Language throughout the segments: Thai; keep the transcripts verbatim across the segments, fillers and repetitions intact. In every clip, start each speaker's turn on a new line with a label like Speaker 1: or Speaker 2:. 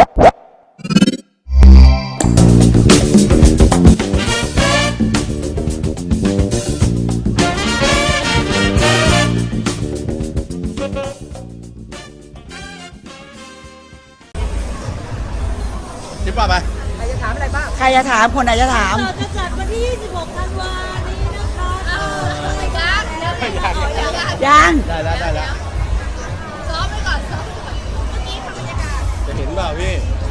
Speaker 1: จิ๊บป่ะไปใครจะถามอะไรบ้างใครจะถามคนไหนจะถาม
Speaker 2: เราจะจัดวันที่ยี่สิบหกธันวานี้นะคะ
Speaker 1: ยัง
Speaker 3: ได้แล้วได้แล้ว
Speaker 2: ซ้อมไปก่อนซ้อมเมื่อกี้ทำบรรยากาศ
Speaker 3: จะเห็นเปล่าพี่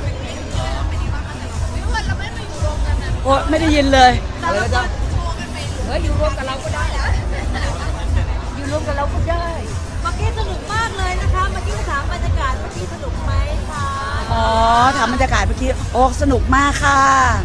Speaker 2: วิวเราไม่มาอยู่รวมกันนะ
Speaker 1: โอ้ไม่ได้ยินเลย
Speaker 2: อะไรนะจ๊ะเฮ้ยอยู่รวมกับเราก็ได้นะอยู่รวมกับเราก็ได้เมื่อกี้สนุกมากเลยนะคะเมื่อกี้ถามบรรยากาศเมื่อกี้สนุกไหมคะ
Speaker 1: อ๋อถามบรรยากาศเมื่อกี้โอ้สนุกมากค่ะ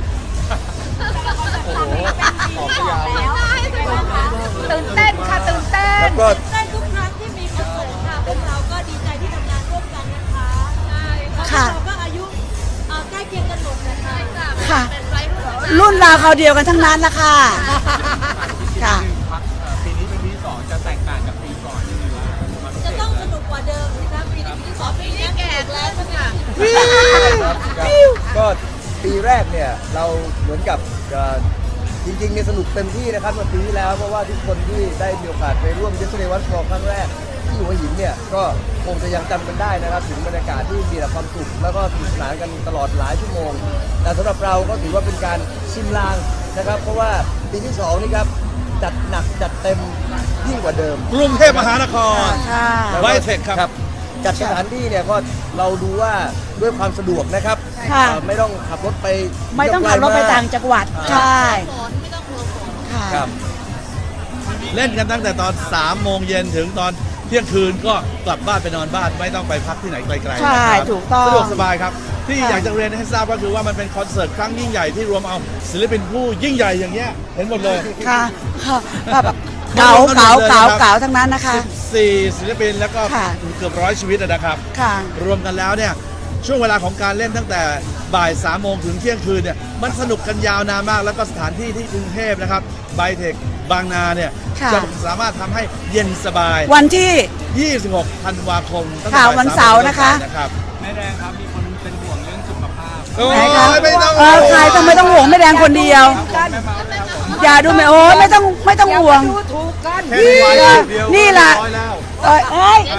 Speaker 3: โอ้โหออกยาว
Speaker 2: ตื่นเต้นค่ะตื่นเต้น
Speaker 3: แล้วก็
Speaker 2: เต้นทุกครั้งที่มีคอนเสิร์ตค่ะพวกเราก็ดีใจที่ทำงานร่วมกันนะคะใช่เราก็อายุใกล้เคียงกันหมดนะคะ
Speaker 1: ค่ะรุ่นราวคราวเดียวกันทั้งนั้นละค่ะค่ะ
Speaker 3: ปีนี้เป็นปีที่สองจะแตกต่างจากปีก่อนยังไงวะ
Speaker 2: จะต้องสนุกกว่าเดิมนะคะปีนี้ปีที่สองปีนี้แก่แล้วค่ะ
Speaker 4: ก็ปีแรกเนี่ยเราเหมือนกับจริงๆเนี่ยสนุกเต็มที่นะครับเมื่อปีที่แล้วเพราะว่าทุกคนที่ได้มีโอกาสไปร่วมเยสเดย์วันฟอร์ครั้งแรกที่หัวหินเนี่ยก็คงจะยังจำกันได้นะครับถึงบรรยากาศที่มีแต่ความสุขแล้วก็สนุกสนานกันตลอดหลายชั่วโมงแต่สำหรับเราก็ถือว่าเป็นการชิมลางนะครับเพราะว่าปีที่สองนี่ครับจัดหนักจัดเต็มยิ่งกว่าเดิม
Speaker 3: กรุงเทพมหานครไวเทคครับ
Speaker 4: จัดสถานที่เนี่ยก็เราดูว่าด้วยความสะดวกนะครับไม่ต้องขับรถไป
Speaker 1: ไม่ต้องขับรถไปต่างจังหวัดใช่
Speaker 2: ไม่ต้องกลัวฝน
Speaker 3: ครับเล่นกันตั้งแต่ตอนสามโมงเย็นถึงตอนเที่ยงคืนก็กลับบ้านไปนอนบ้านไม่ต้องไปพักที่ไหนไกลๆ
Speaker 1: ใช่ถูกต้อง
Speaker 3: สะดวกสบายครับที่อยากจะเรียนให้ทราบก็คือว่ามันเป็นคอนเสิร์ตครั้งยิ่งใหญ่ที่รวมเอาศิลปินผู้ยิ่งใหญ่อย่างเงี้ยเห็นหมดเลย
Speaker 1: ค่ะค่ะแบบเก๋าเก๋าเก๋าเก๋าทั้งนั้นนะคะ
Speaker 3: สี่ศิลปินแล้วก็เกือบร้อยชีวิตนะครับรวมกันแล้วเนี่ยช่วงเวลาของการเล่นตั้งแต่บ่ายสามโมงถึงเที่ยงคืนเนี่ยมันสนุกกันยาวนานมากแล้วก็สถานที่ที่กรุงเทพนะครับไบเทคบางนาเนี่ยจะสามารถทำให้เย็นสบาย
Speaker 1: วันที่
Speaker 3: ยี่สิบหกธันวาคม
Speaker 1: ตั้งแต่วันเสาร์นะคะ
Speaker 3: แม่แดงครับมีคนเป็นห่วงเรื่องสุขภาพโ
Speaker 1: อ้ยไม่ต้องเออใครต้องไม่ต้องห่วงแม่แดงคนเดียวอย่าดูไม่โอ้ไม่ต้องไม่ต้องห่วงนี่แหละเอ้ย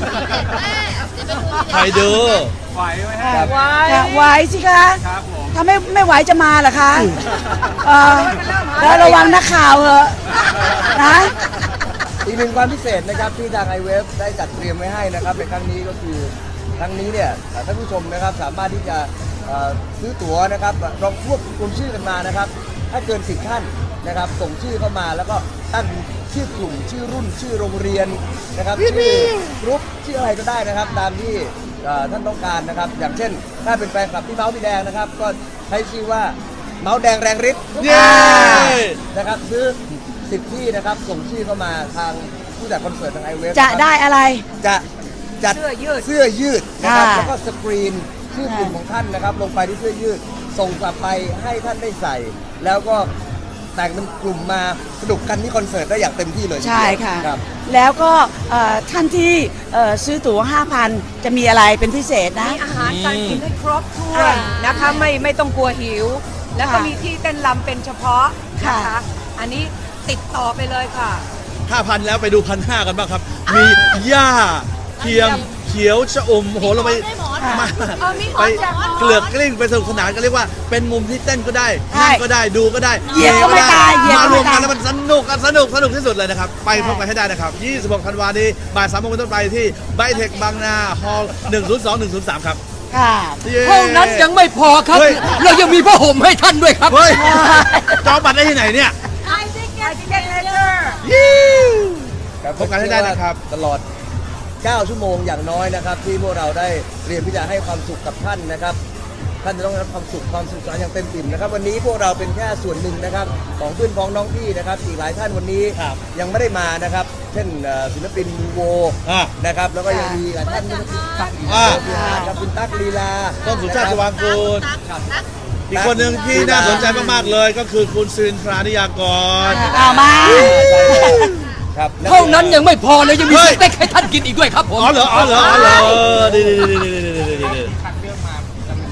Speaker 3: ใครดู
Speaker 1: ไหวไหมฮะไหวไหวสิคะถ้าไม่ไม่ไหวจะมาเหรอคะแล้วระวังนักข่าวเหอะนะ
Speaker 4: อีกหนึ่งความพิเศษนะครับที่ทางไอเวฟได้จัดเตรียมไว้ให้นะครับในครั้งนี้ก็คือครั้งนี้เนี่ยท่านผู้ชมนะครับสามารถที่จะซื้อตั๋วนะครับลองรวบรวมชื่อกันมานะครับถ้าเกินสิบท่านนะครับส่งชื่อเข้ามาแล้วก็ตั้งชื่อกลุ่มชื่อรุ่นชื่อโรงเรียนนะครับชื่อกรุ๊ปชื่ออะไรก็ได้นะครับตามที่ท่านต้องการนะครับอย่างเช่นถ้าเป็นแฟนคลับที่เมาส์พี่แดงนะครับก็ใช้ชื่อว่าเมาส์แดงแรงฤทธิ์นะครับซื้อสิบที่นะครับส่งชื่อเข้ามาทางผู้จัดคอนเสิร์ตทางไอเวฟ
Speaker 1: จะได้อะไร
Speaker 4: จะจัดเสื้อยืดเสื้อยืดนะครับแล้วก็สกรีนชื่อกลุ่มของท่านนะครับลงไปที่เสื้อยืดส่งกลับไปให้ท่านได้ใส่แล้วก็แต่งเป็นกลุ่มมาสนุกกันที่คอนเสิร์ตได้อย่างเต็มที่เลย
Speaker 1: ใช่ค่ะแล้วก็ท่านที่ซื้อตั๋ว ห้าพัน จะมีอะไรเป็นพิเศษนะ
Speaker 5: มีอาหารการกินให้ครบถ้วนนะคะไม่ไม่ต้องกลัวหิวแล้วก็มีที่เต้นรำเป็นเฉพาะนะคะอันนี้ติดต่อไปเลยค่ะ
Speaker 3: ห้าพัน แล้วไปดูพันห้ากันบ้างครับมีหญ้าเทียมเขียวชะอมโหเราไปมาไปเกลือกกลิ้งไปสนุกสนานกันเรียกว่าเป็นมุมที่เต้นก็ได้นั่งก็ได้ดูก็ได้
Speaker 1: เหยียบก็ไม่ตาย
Speaker 3: มารวมกันแล้วมันสนุกสนุกสนุกที่สุดเลยนะครับไปพบกันให้ได้นะครับยี่สิบหกธันวาคมนี้บ่ายสามโมงเป็นต้นไปที่ไบเทคบางนาฮอลล์หนึ่งศูนย์สอง หนึ่งศูนย์สามครับ
Speaker 1: ค่ะ
Speaker 5: เท่านั้นยังไม่พอครับเรายังมีผ้าห่มให้ท่านด้วยครับ
Speaker 3: จองบัตรได้ที่ไหนเนี่ย
Speaker 2: ไอทิเก็ตเมเจอร์
Speaker 3: พบกันให้ได้นะครับ
Speaker 4: ตลอดเก้าชั่วโมงอย่างน้อยนะครับที่พวกเราได้เตรียมที่จะให้ความสุขกับท่านนะครับท่านจะต้องรับความสุขความสุขสนานอย่างเต็มอิ่มนะครับวันนี้พวกเราเป็นแค่ส่วนหนึ่งนะครับของเพื่อนพ้องน้องพี่นะครับอีกหลายท่านวันนี้ยังไม่ได้มานะครับเช่นศิลปินมูโวนะครับแล้วก็ยังมีหลายท่านที่ตักกับคุณตั๊กลีลา
Speaker 3: ต้นสุชาติชวางกูลอีกคนหนึ่งที่น่าสนใจมากๆเลยก็คือคุณซินทรานิยากร
Speaker 1: เอามา
Speaker 5: เท่านั้นยังไม่พอเลยยังมีสเต็กให้ท่านกินอีกด้วยครับผม
Speaker 3: อ๋อเหรออ๋อเหรออ๋อเหรอดีดีดีดีดีดีดี
Speaker 5: คัดเรื่องมาจะมี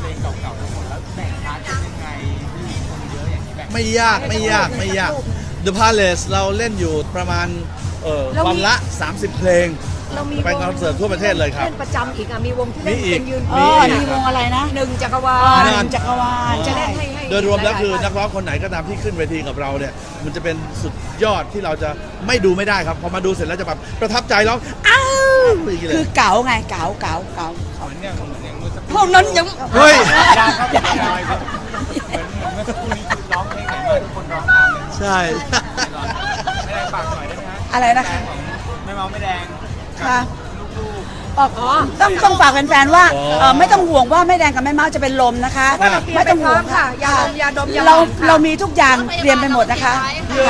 Speaker 3: ไม่ยากไม่ยากไม่ยาก The Palace เราเล่นอยู่ประมาณเอ่อ
Speaker 5: เรามี
Speaker 3: วันละ สามสิบ เพลง
Speaker 5: เรามี
Speaker 3: ไปคอนเสิร์ตทั่วประเทศเลยครับ
Speaker 5: เล่นประจำอีกอ่ะมีวงที่
Speaker 3: มี
Speaker 5: เล่น
Speaker 3: อีก
Speaker 5: เป็นยืน
Speaker 1: อ๋อมีวงอะไรนะ
Speaker 5: หนึ่งจักรวา
Speaker 1: อ๋อ
Speaker 5: ล
Speaker 1: หนึ่งจักรวาล
Speaker 5: จะเล่นให้ให้
Speaker 3: โดยรวมแล้วคือ
Speaker 5: หายๆ
Speaker 3: นักร้องคนไหนก็ตามที่ขึ้นเวทีกับเราเนี่ยมันจะเป็นสุดยอดที่เราจะไม่ดูไม่ได้ครับพอมาดูเสร็จแล้วจะแบบประทับใจร้องอ้าวอย่างนี้เล
Speaker 1: คื
Speaker 3: ย
Speaker 1: อเก๋าไงเก๋าเก๋าเก๋าพวกนั้นยัง
Speaker 3: เฮ้ย ใช่
Speaker 1: อะไรนะคะ
Speaker 6: ไม่เมาไม่แดง
Speaker 1: ค่ะอ๋อต้องต้องฝากแฟนๆว่า
Speaker 3: อ๋อ
Speaker 1: เอ่อไม่ต้องห่วงว่าแม่แดงกับแม่เมาจะเป็นลมนะคะ
Speaker 3: ครับ
Speaker 1: ไม่ต้องห่วง
Speaker 5: ค่ะยาดมยาดมยา
Speaker 1: เรา
Speaker 5: หอมค่ะ
Speaker 1: เรามีทุกอย่างเตรียมไปหมดนะคะ
Speaker 3: เย้
Speaker 1: ค่ะ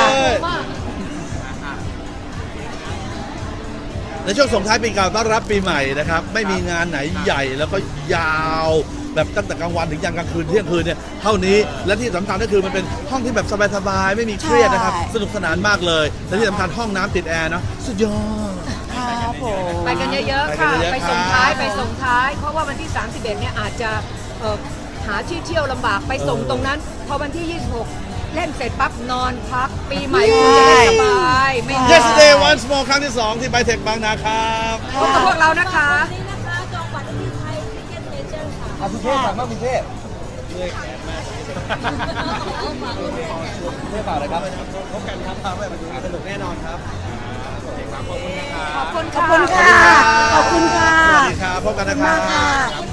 Speaker 3: ในช่วงส่งท้ายปีเก่าต้อนรับปีใหม่นะครับไม่มีงานไหนใหญ่แล้วก็ยาวแบบตั้งแต่กลางวันถึงยันกลางคืนเที่ยงคืนเนี่ยเท่านี้และที่สำคัญก็คือมันเป็นห้องที่แบบสบายๆไม่มีเครียดนะครับ
Speaker 1: ใช่
Speaker 3: สนุกสนานมากเลยและที่สำคัญห้องน้ำติดแอร์เนาะสุดยอด
Speaker 1: ครับผม
Speaker 5: ไปกันเยอะๆค่ะ
Speaker 3: ไปกันเยอะๆ
Speaker 5: ไปส่งท้าย
Speaker 3: ครับ
Speaker 5: ไปส่งท้าย เพราะว่าวันที่สามสิบเอ็ดเนี่ยอาจจะเอ่อหาที่เที่ยวลำบากไปส่ง
Speaker 3: เออ
Speaker 5: ตรงนั้น พอวันที่ยี่สิบหกเล่นเสร็จปั๊บนอนพักปีใหม่คุณจะได้สบายไม่
Speaker 3: Yesterday Once More ครั้งที่สองที่ไบเทคบางนาครับ
Speaker 5: พบกับพวกเรานะคะ
Speaker 2: วันนี้นะคะจองบัตรที่ไทยทิเก็ตเมเจอร์ค่ะ
Speaker 4: อาพิเทพฝากมากพิเทพเทพฝากเลยครับ
Speaker 6: พบกันครับพาไปดูสนุกแน่นอนครับโอเคครับขอบคุณนะครับ
Speaker 5: ขอบคุณ
Speaker 1: ขอบ
Speaker 5: ค่ะ
Speaker 1: คุณค่ะ ขอบคุณค่ะ
Speaker 3: สวัสดีครับพบกันนะครับ
Speaker 1: ขอบคุณมากค่ะ